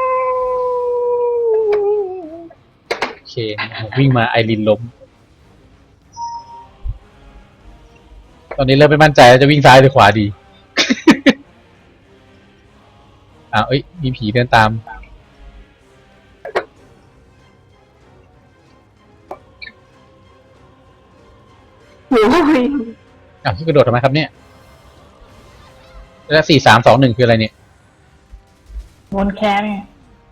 [SPEAKER 2] เควิ่งมาไอรินล้ม ตอนนี้เริ่มไม่มั่นใจแล้วจะวิ่งซ้ายหรือขวาดี อ้าวเอ้ยมีผีเดินตาม
[SPEAKER 1] โอ้ย
[SPEAKER 2] อ้าวที่กระโดดทำไมครับเนี่ย แล้วสี่สามสองหนึ่งคืออะไรเนี่ย
[SPEAKER 5] วนแคสไง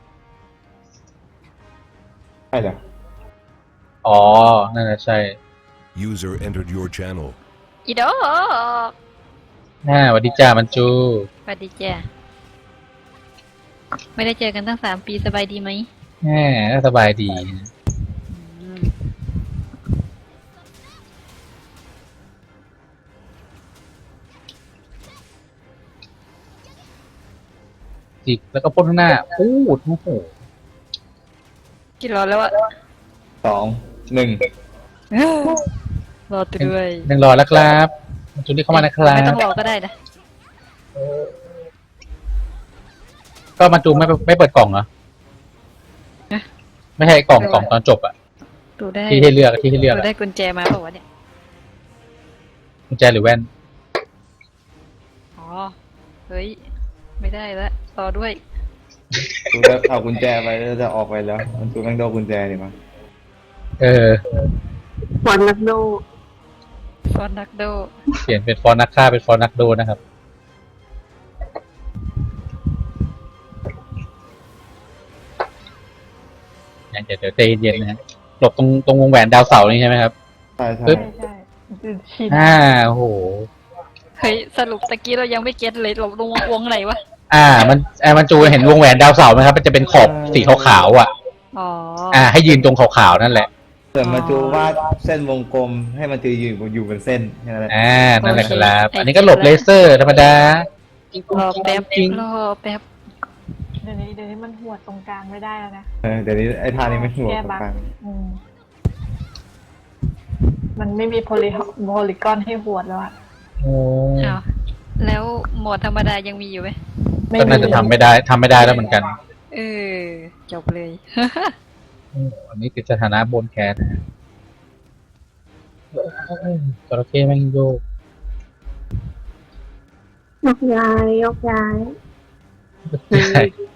[SPEAKER 4] ใช่เหรอ
[SPEAKER 2] อ๋อ นั่นแหละใช่
[SPEAKER 6] User entered your channel.
[SPEAKER 3] อีดอก
[SPEAKER 2] อ่าสวัสดีจ้ามันจู
[SPEAKER 3] สวัสดีจ้ะไม่ได้เจอกันตั้งสามปีสบายดีไหม
[SPEAKER 2] แหมก็สบายดี
[SPEAKER 3] อืม
[SPEAKER 2] จิกแล้วก็พ่นข้างหน้าพูดโอ้โห
[SPEAKER 3] กี่รอแล้วอะ
[SPEAKER 4] สองหนึ่ง
[SPEAKER 3] รอตัวด้วย
[SPEAKER 2] หนึ่งรอแล้วครับมันจูนี่เข้ามานะครั
[SPEAKER 3] ไม่ต้อง
[SPEAKER 2] บ
[SPEAKER 3] รอก็ได้นะ
[SPEAKER 2] ก็มันจูไม่ไม่เปิดกล่องเหรอไม่ใช่กล่องกล่องตอนจบอะ
[SPEAKER 3] ดูได้
[SPEAKER 2] ที่ให้เลือกที่ให้เลือก
[SPEAKER 3] ดู
[SPEAKER 2] อะ
[SPEAKER 3] ได้กุญแจมาเปล่าวะเนี่ย
[SPEAKER 2] กุญแจหรือแว่น
[SPEAKER 3] อ๋อ เฮ้ย ไม่ได้ละรอด้วย
[SPEAKER 4] กูจะเอากุญแจไปแล้วจะออกไปแล้ว มันกูแม่งโดนกุญแจดิมั้ง
[SPEAKER 2] เออ
[SPEAKER 1] ฟอนนักโด
[SPEAKER 3] ฟอนนักโด
[SPEAKER 2] เปลี่ยนเป็นฟอนต์นักฆ่าเป็นฟอนต์นักโดนนะครับเดี๋ยวเดี๋ยวใจเย็นๆนะฮะหลบตรงตรงวงแหวนดาวเสาร์นี่ใช่ไหมครับ
[SPEAKER 4] ใช่ใช่
[SPEAKER 2] ปึ๊บ
[SPEAKER 5] ใช่ใช่ชิน
[SPEAKER 2] อ่าโอ้โห
[SPEAKER 3] เฮ้ย สรุปตะกี้เรายังไม่เก็ตเลยหลบลงวงไหนวะ
[SPEAKER 2] อ่า มันไอ้มันจูเห็นวงแหวนดาวเสาร์ไหมครับ มันจะเป็นขอบสีขาวๆอ่ะ
[SPEAKER 3] อ๋อ
[SPEAKER 2] อ่า ให้ยืนตรงขาวๆนั่นแหละ
[SPEAKER 4] เกิดมาจูวาดเส้นวงกลมให้มันจืออยู่อยู่เป็นเส้นแค่นั้นแหละ
[SPEAKER 2] อ่า นั่นแหละครับ
[SPEAKER 3] โอเค
[SPEAKER 2] อันนี้ก็หลบเลเซอร์ธรรมดา
[SPEAKER 3] รอแป๊บรอแป๊บ
[SPEAKER 5] เดี๋ยวนี้เดี๋ยวนี้มันหัวตรงกลางไม่ได้แล้วนะ
[SPEAKER 4] เออเดี๋ยวนี้ไอ้ท่านี้ไม่หัว
[SPEAKER 5] แก้
[SPEAKER 4] ตรง
[SPEAKER 5] บั๊ก
[SPEAKER 4] กลาง
[SPEAKER 5] อืมมันไม่มีโพลิโพลิกอนให้หัวแล้วอะ
[SPEAKER 2] โอ้
[SPEAKER 3] อ้าว แล้วโหมดธรรมดายังมีอยู่ไหม
[SPEAKER 5] ไม่
[SPEAKER 2] ก็
[SPEAKER 5] มี
[SPEAKER 2] น่าจะทำไม่ได้ทำไม่ได้แล้วเหมือนกัน
[SPEAKER 3] เออ จบเลย
[SPEAKER 2] อันนี้ติดสถานะบนแคสนะฮะจระเข้แม่งโยก
[SPEAKER 1] ยกย้ายยกย้าย
[SPEAKER 2] ใช่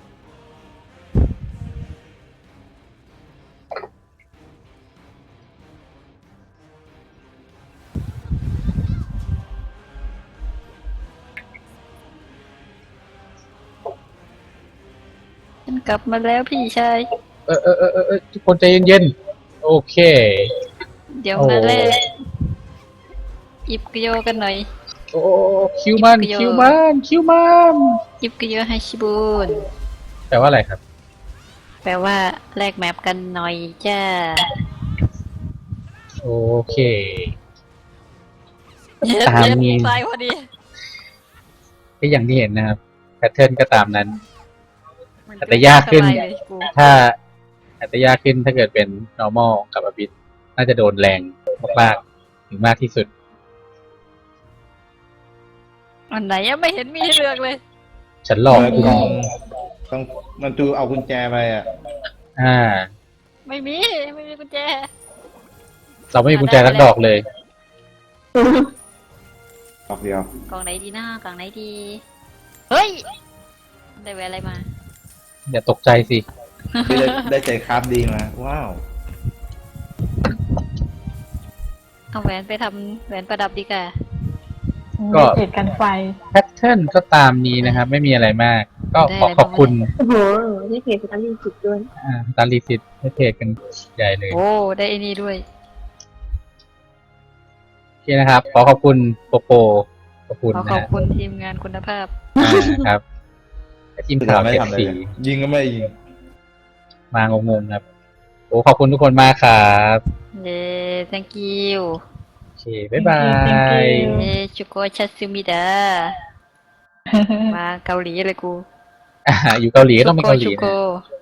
[SPEAKER 3] ฉันกลับมาแล้วพี่ชาย
[SPEAKER 2] เออเออเออเออเออทุกคนใจเย็นๆ โอเค
[SPEAKER 3] เดี๋ยว
[SPEAKER 2] โอ้
[SPEAKER 3] มาแรกอิบกโยกันหน่อย
[SPEAKER 2] โอ้คิวมัน คิวมันคิวมัน
[SPEAKER 3] อิบกโยให้ชิบูน
[SPEAKER 2] แปลว่าอะไรครับ
[SPEAKER 3] แปลว่าแลกแมปกันหน่อยจ้า
[SPEAKER 2] โอเค ตามนี้
[SPEAKER 3] ตายพอดี
[SPEAKER 2] ก็อย่างที่เห็นนะครับแพทเทิร์นก็ตามนั้น อาจจะยากขึ้น
[SPEAKER 3] สบเลยกู
[SPEAKER 2] ถ้าอาจจะยากขึ้นถ้าเกิดเป็น normal กับอบิทน่าจะโดนแรงมากๆถึงมากที่สุด
[SPEAKER 3] อันไหนยังไม่เห็นมีให้เลือกเลย
[SPEAKER 2] ฉันหลอก
[SPEAKER 4] เออ
[SPEAKER 2] คุณ
[SPEAKER 4] ต้องต้องมันจูเอากุญแจไปอ่ะ
[SPEAKER 2] อ่า
[SPEAKER 3] ไม่มี ไม่มีกุญแจ
[SPEAKER 2] เราไม่มีกุญแจสักดอกเลย
[SPEAKER 4] ดอกเดียว
[SPEAKER 3] กล่องไหนดีหน้ากล่องไหนดี เฮ้ย ได้แวะอะไรมา
[SPEAKER 2] อย่าตกใจสิ
[SPEAKER 4] ที่ได้ได้ใจคราฟดีมา ว้าว
[SPEAKER 3] เอาแหวนไปทำแหวนประดับดีกว่า
[SPEAKER 2] ก็
[SPEAKER 5] เหตุกันไฟ
[SPEAKER 2] แพทเทิร์นก็ตามนี้นะครับ ไม่มีอะไรมาก ก็ขอขอบคุณ
[SPEAKER 1] โอ้โหนี่เพจเป็นอันดีสุดด้วย
[SPEAKER 2] อ่าตาลีสิทธิ์ให้เทรดกันใหญ่เลย
[SPEAKER 3] โอ้ ได้ไอ้นี่ด้วย
[SPEAKER 2] โอเคนะครับ ขอขอบคุณโปโปขอบคุณ
[SPEAKER 3] ขอ
[SPEAKER 2] นะ
[SPEAKER 3] ขอบ
[SPEAKER 2] ฮะ
[SPEAKER 3] คุณทีมงานคุณภาพ
[SPEAKER 2] อ่าครับและทีมข่าว
[SPEAKER 4] ไม่
[SPEAKER 2] เก็บ
[SPEAKER 4] ทำอะไร
[SPEAKER 2] สี
[SPEAKER 4] เลยยิงก็ไม่ยิง
[SPEAKER 2] มางงๆครับ โอ้ขอบคุณทุกคนมากครับ
[SPEAKER 3] เย้ thank you
[SPEAKER 2] โอเค บ๊ายบาย
[SPEAKER 3] เย้ชุโกชัตซึมิดา มาเกาหลีเลยกู
[SPEAKER 2] อ่าอยู่เกาหลีก็ต้องเป็นเกาหลี
[SPEAKER 3] ชุโก
[SPEAKER 2] นะ